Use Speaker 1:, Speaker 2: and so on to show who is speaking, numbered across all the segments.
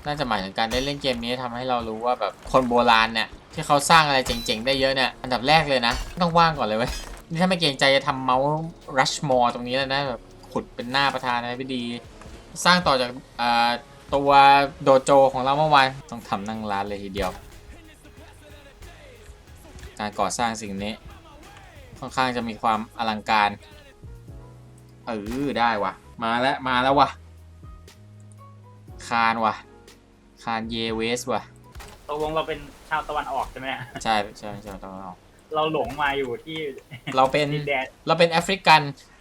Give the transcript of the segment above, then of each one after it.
Speaker 1: น่าจะหมายถึงการได้เล่นเกมนี้ทำให้เรารู้ว่าแบบคนโบราณเนี่ยที่เขาสร้างอะไรเจ๋งๆได้เยอะเนี่ยอันดับแรกเลยนะต้องว่างก่อนเลยเว้ยนี่ถ้าไม่เกรงใจจะทำเมาส์รัชมอร์ตรงนี้แล้วนะแบบขุดเป็นหน้าประธานาธิบดีสร้างต่อจากตัวโดโจของเราเมื่อวานต้องทำนั่งร้านเลยทีเดียวการก่อสร้างสิ่งนี้ค่อนข้างจะมีความอลังการได้วะมาแล้ววะคานวะคานเยเวสวะ
Speaker 2: ตกลงเราเป็นชาวตะวันออกใช่ไหม
Speaker 1: ใช่ตอนออก
Speaker 2: เราหลงมาอยู่ที่
Speaker 1: เราเป็น
Speaker 2: ดินแดน
Speaker 1: เราเป็นแอฟริกัน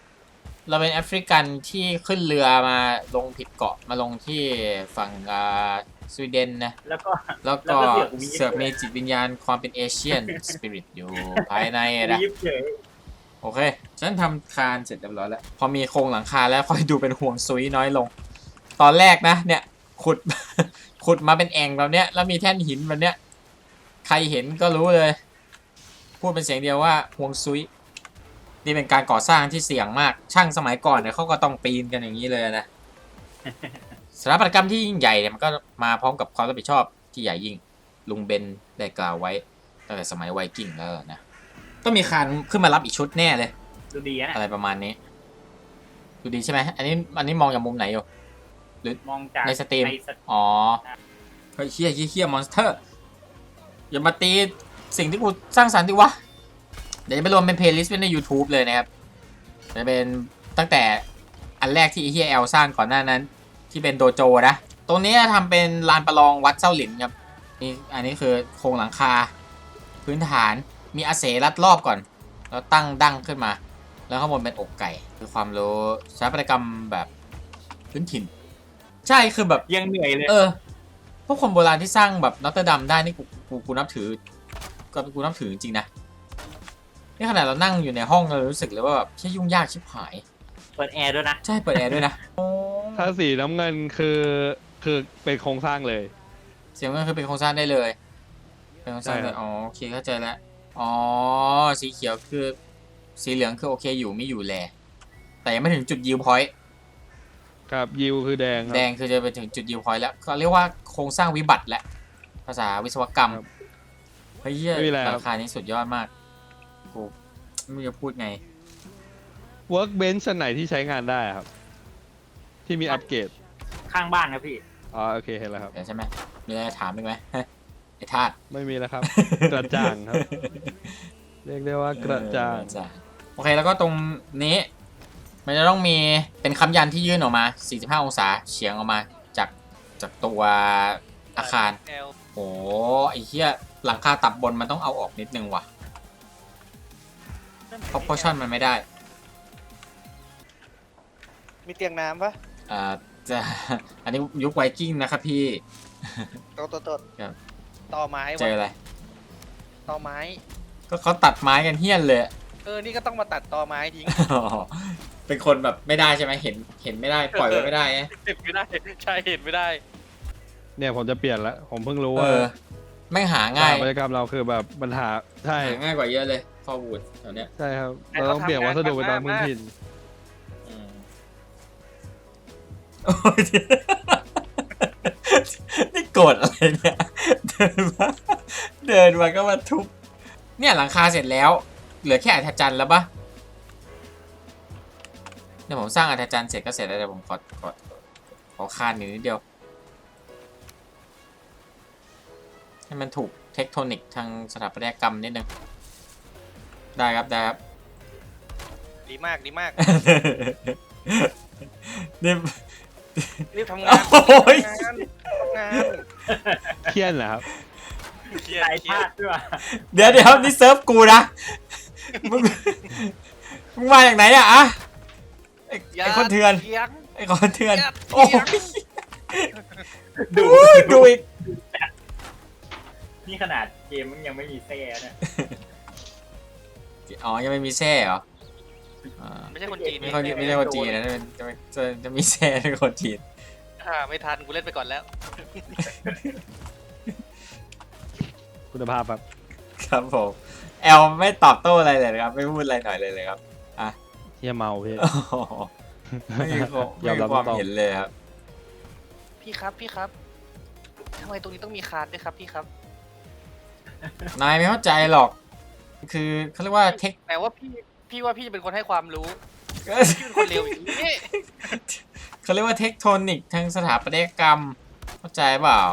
Speaker 1: ที่ขึ้นเรือมาลงผิดเกาะมาลงที่ฝั่งสวีเดนนะ
Speaker 2: แล้วก็
Speaker 1: เสือกมีจิตวิญญาณความเป็นเอเชียนสปิริตอยู่ภายในนะ
Speaker 2: วีฟเฉย
Speaker 1: โอเคฉันทำคานเสร็จเรียบร้อยแล้วพอมีโครงหลังคาแล้วค่อยดูเป็นห่วงซุยน้อยลง ตอนแรกนะเนี่ยขุด ขุดมาเป็นแอ่งแบบเนี้ยแล้วมีแท่นหินแบบเนี้ยใครเห็นก็รู้เลยพูดเป็นเสียงเดียวว่าห่วงซุยนี่เป็นการก่อสร้างที่เสี่ยงมากช่างสมัยก่อนเนี่ยเขาก็ต้องปีนกันอย่างนี้เลยนะสถาปัตยกรรมที่ยิ่งใหญ่เนี่ยมันก็มาพร้อมกับความรับผิดชอบที่ใหญ่ยิ่งลุงเบนได้กล่าวไว้ตั้งแต่สมัยไวกิ้งแล้วนะต้องมีคานขึ้นมารับอีกชุดแน่เลย
Speaker 2: ดูดีนะ
Speaker 1: อะไรประมาณนี้ดูดีใช่ไหมอันนี้มองจากมุมไหนอยู่หรือ
Speaker 2: มองจาก
Speaker 1: ในสตรีมอ๋อเฮ้ยเฮี้ยมอนสเตอร์อย่ามาตีสิ่งที่กูสร้างสรรค์ดิวะเดี๋ยวจะไปรวมเป็นเพลย์ลิสต์ไว้ใน YouTube เลยนะครับจะเป็นตั้งแต่อันแรกที่เฮียแอลสร้างก่อนหน้านั้นที่เป็นโดโจนะตรงนี้ทำเป็นลานประลองวัดเจ้าหลินครับนี่อันนี้คือโครงหลังคาพื้นฐานมีอาเสรัดรอบก่อนแล้วตั้งดั้งขึ้นมาแล้วข้างบนเป็นอกไก่คือความรู้สถาปัตยกรรมแบบพื้นถิ่นใช่คือแบบ
Speaker 2: ยังเหนื่อยเลย
Speaker 1: พวกคนโบราณที่สร้างแบบนอตเตอร์ดัมได้นี่กูนับถือก็กูนับถือจริงๆนะนี่ขนาดเรานั่งอยู่ในห้องเรารู้สึกเลยว่าแบบใช่ยุ่งยากชิบหาย
Speaker 2: เปิดแอร์ด้วยนะ
Speaker 1: ใช่เปิดแอร์ด้วยนะ
Speaker 3: ถ้าสีน้ำเงินคือเป็นโครงสร้างเลย
Speaker 1: เสียงก็คือเป็นโครงสร้างได้เลยเป็นโครงสร้างเลยอ๋อโอเคเข้าใจแล้วอ๋อสีเขียวคือสีเหลืองคือโอเคอยู่ไม่อยู่แลแต่ยังไม่ถึงจุดยิวพอยต์
Speaker 3: ครับยิวคือแดง
Speaker 1: แดงคือจะไปถึงจุดยิวพอยต์แล้วเขาเรียกว่าโครงสร้างวิบัติและภาษาวิศวกรรมเฮ้ยราคานี้สุดยอดมากกูไม่รู้จะพูดไง
Speaker 3: workbench ไหนที่ใช้งานได้ครับที่มีอัปเกรด
Speaker 2: ข้างบ้านครับพี่
Speaker 3: อ๋อโอเคเห็นแล้วครับ
Speaker 1: ใช่ไหมมีอะไรถามอีกไหมไอ้ธาตุ
Speaker 3: ไม่มีแล้วครับ กระจ่างครับเรียกได้ว่ากระจ่าง
Speaker 1: โอเคแล้วก็ตรงนี้มันจะต้องมีเป็นค้ำยันที่ยื่นออกมา45องศาเฉียงออกมาจากตัวอาคารโอ้ไอ้เหี้ยหลังคาตับบนมันต้องเอาออกนิดนึงว่ะเพราะพอชั่นมันไม่ได้
Speaker 4: มีเตียงน้ำปะ
Speaker 1: จะอันนี้ยุคไวกิ้งนะครับพี่
Speaker 4: ต้นต่อไม้
Speaker 1: เจออะไร
Speaker 4: ต่อไม้
Speaker 1: ก็เขาตัดไม้กันเฮี้ยนเลย
Speaker 4: นี่ก็ต้องมาตัดต่อไม้ทิ้ง
Speaker 1: เป็นคนแบบไม่ได้ใช่ไหมเห็นไม่ได้ปล่อยไว้ไม่ได้
Speaker 4: เห็นไม่ได้ใช่เห็นไม่ได้
Speaker 3: เนี่ยผมจะเปลี่ยนแล้วผมเพิ่งรู้ว่า
Speaker 1: ไม่หาง่าย
Speaker 3: บรรยากาศเราคือแบบปัญหาใช่
Speaker 1: ง่ายกว่าเยอะเลยฟอร์วูดแถวเนี้ย
Speaker 3: ใช่ครับเราต้องเปลี่ยนวัสดุไปตามพื้นถิ่น
Speaker 1: นี่โกรธอะไรเนี่ยเดินมาก็มาทุบเนี่ยหลังคาเสร็จแล้วเหลือแค่อัฐจันทร์แล้วปะเนี่ยผมสร้างอัฐจันทร์เสร็จก็เสร็จแล้วเดี๋ยวผมขอคานนิดเดียวให้มันถูกเทคโทนิกทางสถาปัตยกรรมนิดนึงได้ครับ
Speaker 4: ดีมาก
Speaker 1: นี่
Speaker 4: รีบทำงาน
Speaker 3: เครียดเหรอครับ
Speaker 2: เครียดด้วย
Speaker 1: เดี๋ยวนี่เซิร์ฟกูนะมึงมาจากไหนอะไอ้คนเถื่อนโอ้ดูอีก
Speaker 2: นี่ขนาดเกมมันยังไม่มีแซ่นะ
Speaker 1: อ๋อยังไม่มีแซ่เหรอ
Speaker 4: ไม่ใช่คนจีน
Speaker 1: ไม่ใช่คนจีนนะจะมีแซ่เป็นคนจีน
Speaker 4: ไม่ทันกูเล่นไปก่อนแล้ว
Speaker 3: คุณภาพ
Speaker 1: ครับผมแอลไม่ตอบโต้อะไรเลยครับไม่พูดอะไรหน่อยเลยครับ
Speaker 3: เฮียเมาพี่
Speaker 1: ไม่มีความเห็นเลยครับ
Speaker 4: พี่ครับทำไมตรงนี้ต้องมีคานด้วยครับพี่ครับ
Speaker 1: นายไม่เข้าใจหรอก คือเขาเรียกว่าเทค
Speaker 4: แต่ว่าพี่ว่าพี่จะเป็นคนให้ความรู้พี่เป็นคนเร็วอย่างนี้
Speaker 1: เขาเรียกว่าเทคโทนิกทางสถาปัตยกรรม เข้าใจเปล่า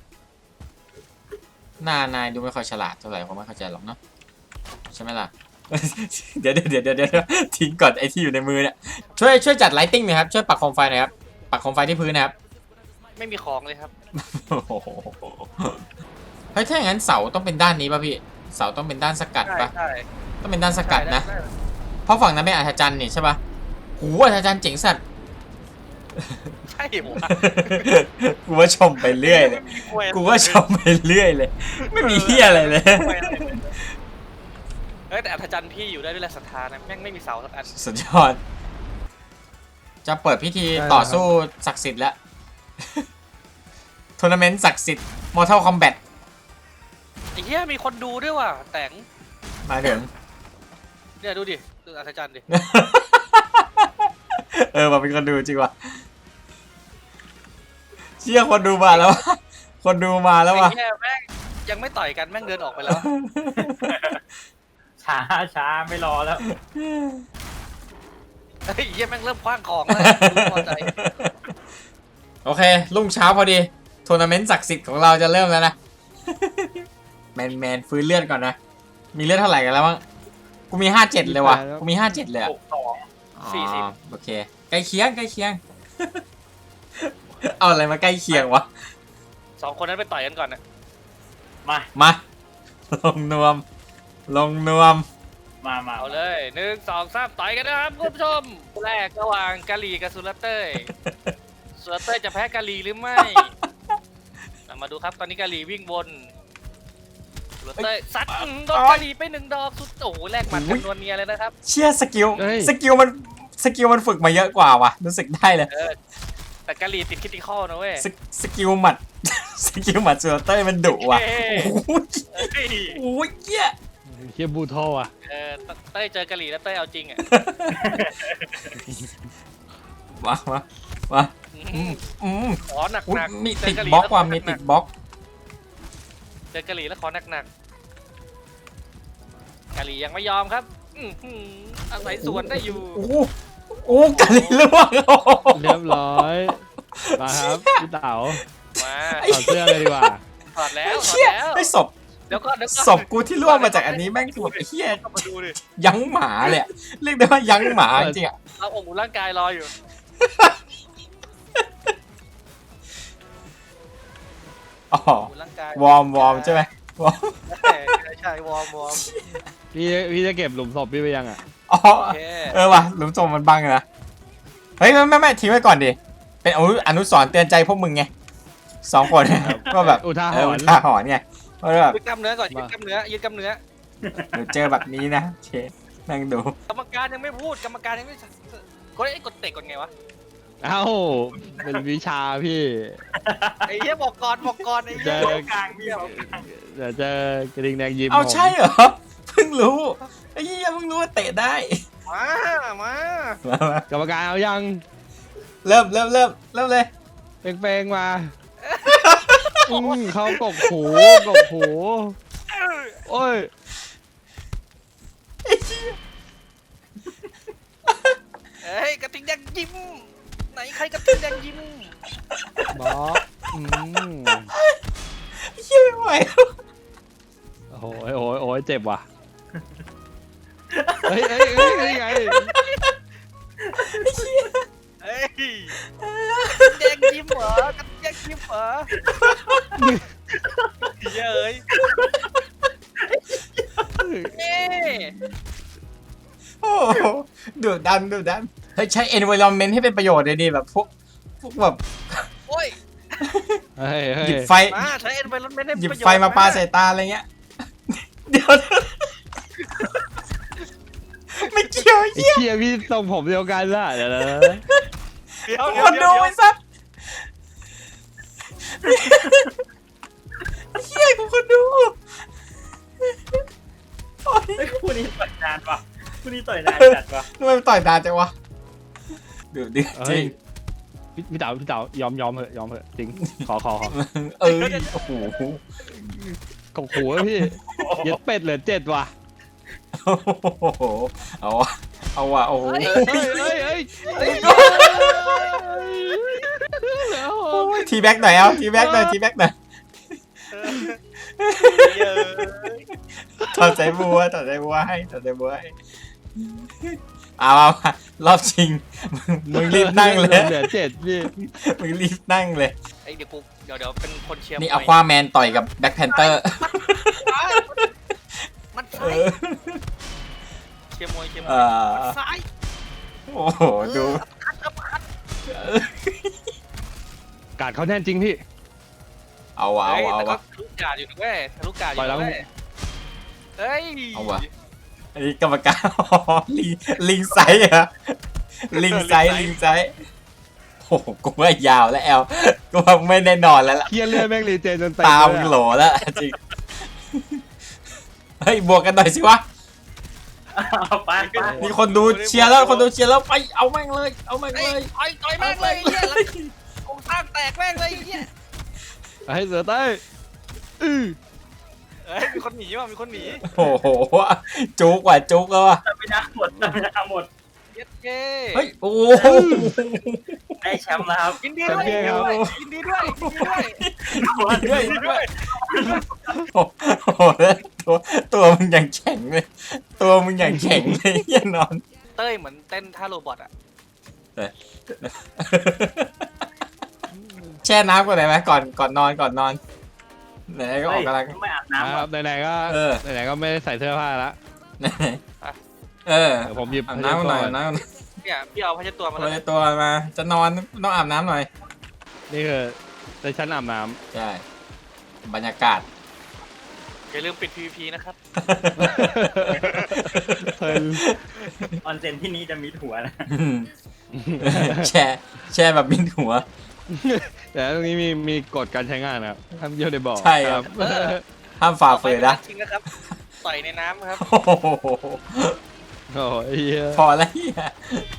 Speaker 1: นายดูไม่ค่อยฉลาดเท่าไหร่ผมไม่เข้าใจหรอกเนาะใช่ไหมล่ะ เดี๋ยวทิ้งก่อนไอที่อยู่ในมือเนี่ยช่วยจัดไลติ้งหน่อยครับช่วยปักโคมไฟหน่อยครับปักโคมไฟที่พื้นนะครับ
Speaker 4: ไม่มีของเลยครับ
Speaker 1: เฮ้ยถ้าอย่างนั้นเสาต้องเป็นด้านนี้ป่ะพี่เสาต้องเป็นด้านสกัดป่ะ
Speaker 4: ใช่
Speaker 1: ต้องเป็นด้านสกัดนะ
Speaker 4: ได้
Speaker 1: เพราะฝั่งนั้นเป็นอัศจรรย์นี่ใช่ป่ะหูอัศจรรย์เจ๋งสัตว์
Speaker 4: ใช่ผม
Speaker 1: กูว่าชมไปเรื่อยเลยกูว่าชมไปเรื่อยเลย ไม่มีเฮียอะไรเลย
Speaker 4: เฮ้ยแต่อัธจันทร์พี่อยู่ได้ด้วยแรงศรัทธานะแม่งไม่มีเสาสักอัน
Speaker 1: สุดยอด จะเปิดพิธีต่อสู้ศักดิ์สิทธิ์แล้ว ทัวร์นาเมนต์ศักดิ์สิทธิ์ Mortal Kombat
Speaker 4: ไอ้เหี้ยมีคนดูด้วยว่ะแต่ง
Speaker 1: มาถึง
Speaker 4: เนี่ยดูดิดูอัธจันทร์ดิ
Speaker 1: มาเป็นคนดูจริงว่ะเชี่ยคนดูมาแล้ววะคนดูมาแล้ว
Speaker 4: ไอ้
Speaker 1: ว่ะ
Speaker 4: เหี้ยแม่งยังไม่ต่อยกันแม่งเดินออกไปแล้ว
Speaker 2: ช้าไม่รอแล้ว
Speaker 4: เฮ้ยเหี้ยแม่งเริ่มคว้างของแล้วดูพอใจ
Speaker 1: โอเค รุ่งเช้าพอดีทัวร์นาเมนต์ศักดิ์สิทธิ์ของเราจะเริ่มแล้วนะ แมนฟื้นเลือดก่อนนะ มีเลือดเท่าไหร่กันแล้วบ้างกูมี57เลยว่ะกูมี57เลยอะ
Speaker 2: 62
Speaker 4: 40
Speaker 1: โอเคใกล้เคียง เอาอะไรมาใกล้เคียงวะ
Speaker 4: สองคนนั้นไปต่อยกันก่อนนะ
Speaker 2: มา
Speaker 1: มา ลงนวม
Speaker 2: มา
Speaker 4: เอาเลย1 2 3ต่อยกันนะครับคุณผู้ชมแรกระหว่างกาลีกับสุรเต้ยสุรเต้ยจะแพ้กาลีหรือไม่เรามาดูครับตอนนี้กาลีวิ่งวนสุรเต้ยซัดโดนกาลีไป1 ดอกสุดโอ้โหแลกหมัดกันนวลเนียเลยนะครับ
Speaker 1: เชี่ยสกิลมันฝึกมาเยอะกว่าว่ะรู้สึกได้เลย
Speaker 4: แต่กาลีติดคิติคอลนะเว้ย
Speaker 1: สกิลหมัด สกิลหมัดซูเตอร์มันดุว่ะ
Speaker 4: เฮ้
Speaker 1: โอ้ย
Speaker 4: เฮ้ย
Speaker 1: โอ้ยเหี้ย
Speaker 3: เฮียบูทออ่ะ
Speaker 4: เต้ยเจอกาลีแล้วเต้ยเอาจริงอ่ะ
Speaker 1: มาอืม
Speaker 4: ขอหนัก
Speaker 1: อุ๊ย
Speaker 4: หนัก
Speaker 1: มีติดบล็อกว่ะมีติดบล็อก
Speaker 4: เจอกาลีแล้วขอหนักหนักกาลียังไม่ยอมครับอาศัยสวนได้อยู่
Speaker 1: โอ้กันเลยล่วง
Speaker 3: เรียบร้อยมาครับพี่เต๋า
Speaker 4: มา
Speaker 3: ถอดเสื้อเลยดีกว่า
Speaker 4: ถอดแล้วถอด
Speaker 1: เชี่ย
Speaker 4: แล้ว
Speaker 1: ไอ้ศพ
Speaker 4: เดี๋ยวก่อน
Speaker 1: ศพกูที่ล่วงมาจากอันนี้แม่งคือแบบไอ้เหี้ย
Speaker 4: เข้ามาดูดิ
Speaker 1: ยั้งหมาเลยอะเรียกได้ว่ายั้งหมาจริงๆอะ
Speaker 4: เอาองค์ร่างกายรออยู่
Speaker 1: อ๋อ
Speaker 4: องค์ร่างกายว
Speaker 1: อร์มใช่ไหมวอร์ม
Speaker 4: ใช่วอร์ม
Speaker 3: พี่จะเก็บหลุมศพพี่ไปยังอ่ะ
Speaker 1: อ๋อ
Speaker 4: โอเค
Speaker 1: ว่ะหลุมศพมันบังนะเฮ้ยไม่ทิ้งไว้ก่อนดิเป็นอนุสรณ์เตือนใจพวกมึงไง2 คนก็แบบ
Speaker 3: อุทาห
Speaker 1: อุ
Speaker 3: รณ์
Speaker 1: ทาหรณ์ไงว่าแบบ
Speaker 4: ยืดกล้ามเนื้อก่อนยืดกล้ามเนื้อ
Speaker 1: เดี๋ยวเจอแบบนี้นะเชนั่งดู
Speaker 4: กรรมการยังไม่พูดกรรมการยังไม่กดเตะกดไงวะ
Speaker 3: เอ้าเป็นวิชาพี่
Speaker 4: ไอ้เหี้ยบอกก่อนไอ้เหี้ย
Speaker 3: เจอ
Speaker 2: กลางพี่เอากลาง
Speaker 3: เดี๋ยวเจอกระดิ่งแดงยิ้ม
Speaker 1: เอา
Speaker 3: ผม
Speaker 1: ใช่เหรอเพิ่งรู้ไอ้เหี้ยเพิ่งรู้ว่าเตะได้
Speaker 4: มา
Speaker 1: มาก
Speaker 3: รรมการเอายัง
Speaker 1: เริ่มเลย
Speaker 3: เป้งๆมาเขากบหูโอ้ย
Speaker 4: เฮ้ยกระทิงแดงยิ้มไหนใครกระทิงแดงยิ้ม
Speaker 3: บล็อก
Speaker 1: เหี้ยไม่ไหวแล้ว
Speaker 3: โอ้ยเจ็บว่ะเฮ้ยไง
Speaker 4: เฮ้ยแดงยิ้มเหรอกระทิงแดงยิ้มเหรอเย้ยเอ๊ะ
Speaker 1: โอ้โหดุดันเฮ้ยใช้ environment ให้เป็นประโยชน์เลยดิแบบพวกแบบ
Speaker 4: โอ้ย
Speaker 3: เฮ้ย
Speaker 1: หยิบไฟ
Speaker 4: มาใช้ environment ให้
Speaker 1: หยิบ
Speaker 4: ประโยชน์
Speaker 1: ไฟมาปาใส่ตาอะไรเงี้ยเดี๋ยวไม่เกี่ยว
Speaker 3: ไอ้
Speaker 1: เหี้ย
Speaker 3: เหี้ยพี่ทรงผมเดียวกันล่ะเดี๋ยว
Speaker 1: คนดูไอ้สัสเหี้ยกูคนดูโอ๊ย
Speaker 2: เฮ้ยคู่นี้ต่อยนานว่ะคู่นี้ต่อยนานจัดว่ะ
Speaker 1: ทำไมมันต่อยตาจังวะเดือดจริง
Speaker 3: พี่เต๋ายอมเหอะจริงขอ
Speaker 1: เอ้ยโอ้โห
Speaker 3: กบหัวพี่เย็ดเป็ดเหลือ7ว่ะ
Speaker 1: โอ้โหเอาว่ะโอ้โห
Speaker 3: เฮ้ยแล้ว
Speaker 1: ทีแบ็กหน่อยเอาทีแบ็กหน่อย
Speaker 4: เยอะ
Speaker 1: ถอดใจบัวให้เอามารอบชิงมึงรีบนั่งเลย
Speaker 3: เหลือ7พี่
Speaker 1: มึงรีบนั่งเลย
Speaker 4: ไอ้เดี๋ยวเป็นคนเชียร์
Speaker 1: นี่
Speaker 4: มวย
Speaker 1: เอาควาแมนต่อยกับแบ็คแพนเตอร์
Speaker 4: มันซ้ายเชียร์มวย ซ้าย
Speaker 1: โอ้โหดู
Speaker 3: การเขาแน่นจริงพี่
Speaker 1: เอาวะ
Speaker 4: แต่ก็ทะลุกาดอยู่นะเว้ยทะลุกาดอยู่นะเว้ยเฮ้ย
Speaker 1: เอาวะอันนี้กรรมการ ลิงไซส์เหรอลิงไซส์โอ้โหกูว่ายาวแล้วแอลกูว่าไม่ได้นอนแล้วล่ะ
Speaker 3: เคียเลือดแม่งรีเจนจนเต็ม
Speaker 1: ตามึงโหลแล้วจริงเฮ้ยบวกกันหน่อยสิวะ
Speaker 2: เอาไป
Speaker 1: มีคนดูเชียร์แล้วไปเอาแม่งเลย
Speaker 4: ต่อยแม่งเลยเหี้ยแล้วโครงสร้างแตกแม่งเลยเหี้ย
Speaker 3: ให้เสือใต้
Speaker 4: เฮ้ยมีคนหนีว่ะมีคนหนี
Speaker 1: โอ้โหจุกแล้วว่ะ
Speaker 2: จะไม่น่าหมด
Speaker 4: เย็ดเก้
Speaker 1: เฮ้ยโอ้
Speaker 2: ได้แชมป์แล้วครับ
Speaker 4: ยินดีด้วยยินดีด้วย
Speaker 1: ด้วยโอ้โหแล้วตัวมึงอย่างแข็งเลยเหี้ยนอน
Speaker 4: เต้ยเหมือนเต้นท่าโรบอทอ่ะ
Speaker 1: แช่น้ำก่อนได้ไหมก่อนนอนไหนๆก็ออกกำลัง
Speaker 2: ไม่อาบ
Speaker 3: ค
Speaker 2: น้ำ
Speaker 3: รับไหนๆก็
Speaker 1: เออ
Speaker 3: ไหนๆก็ไม่ได้ใส่เสื้อผ้าละ
Speaker 1: ไหนเออ
Speaker 3: เดี๋ยวผมหยิบ
Speaker 1: อาบน้ำหน่อย
Speaker 4: เนี่ยพี่เอาผ้าเช็ดตัวมา
Speaker 1: ตัว
Speaker 4: แล้ว
Speaker 1: ตัวมาจะนอนต้องอาบน้ำหน่อย
Speaker 3: นี่คือในชั้นอาบน้
Speaker 1: ใช่บรรยากาศ
Speaker 4: อย่าลืมปิด PVP นะครับ
Speaker 3: ำเพลิน
Speaker 2: ออนเซ็นที่นี้จะมีถั่วนะ
Speaker 1: แช่แบบมินหัว
Speaker 3: แต่ตรงนี้มีกฎการใช้งานนะครับห้ามเยี่ยวในบ่อ
Speaker 1: ใช่ครับ ห้ามฝ่าฝืนนะ
Speaker 4: จริงนะครับต่อยในน้ำครับ
Speaker 1: โอ้โห
Speaker 3: โอ้ยเหี้ย
Speaker 1: พอแล้วเฮีย